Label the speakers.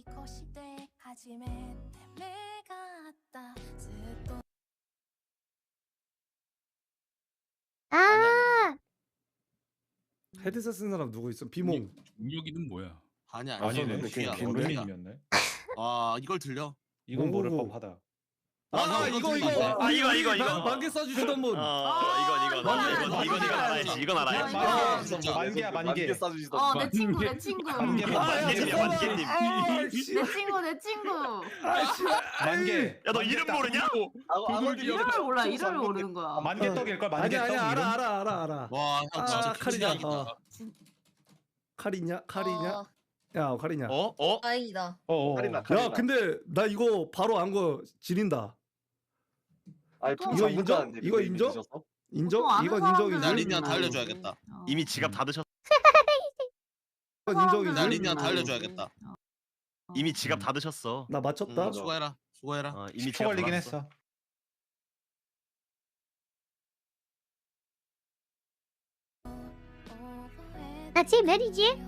Speaker 1: 아,
Speaker 2: 헤드셋 쓴 사람 누구 있어? 비몽.
Speaker 3: 종혁이는 뭐야?
Speaker 4: 아니야
Speaker 5: 아니네.
Speaker 4: 귀야.
Speaker 5: 김은민이었네.
Speaker 4: 아 이걸 들려?
Speaker 5: 이건 모를
Speaker 2: 오고.
Speaker 5: 법하다.
Speaker 2: 아, 이거 만개 써주시던 분.
Speaker 6: 이건 알아야지. 이건 알아야지.
Speaker 5: 만개야 만개.
Speaker 1: 내 친구 내 친구.
Speaker 6: 만개님.
Speaker 1: 내 친구.
Speaker 5: 만개.
Speaker 6: 야 너 이름 모르냐?
Speaker 1: 이름을 몰라. 이름을 모르는 거야.
Speaker 5: 만개 떡일 걸 만개 떡.
Speaker 2: 아니야 알아.
Speaker 4: 와 형 진짜
Speaker 2: 칼이냐?
Speaker 4: 기이하다.
Speaker 2: 칼이냐? 야 칼이냐?
Speaker 7: 다행이다.
Speaker 2: 야 근데 나 이거 바로 안 거 지린다. 이거 인정? 이거 인정? 인정? 이건 인정이지.
Speaker 4: 나 리니한테 알려줘야겠다.
Speaker 6: 이미 지갑 다 드셨.
Speaker 2: 이건 인정이지.
Speaker 4: 나 리니한테 알려줘야겠다.
Speaker 6: 이미 지갑 다 드셨어.
Speaker 2: 나 맞췄다.
Speaker 4: 수고해라.
Speaker 6: 이미
Speaker 5: 10초
Speaker 6: 지갑
Speaker 5: 걸리긴
Speaker 6: 받았어.
Speaker 5: 했어.
Speaker 1: 나 지금 내리지?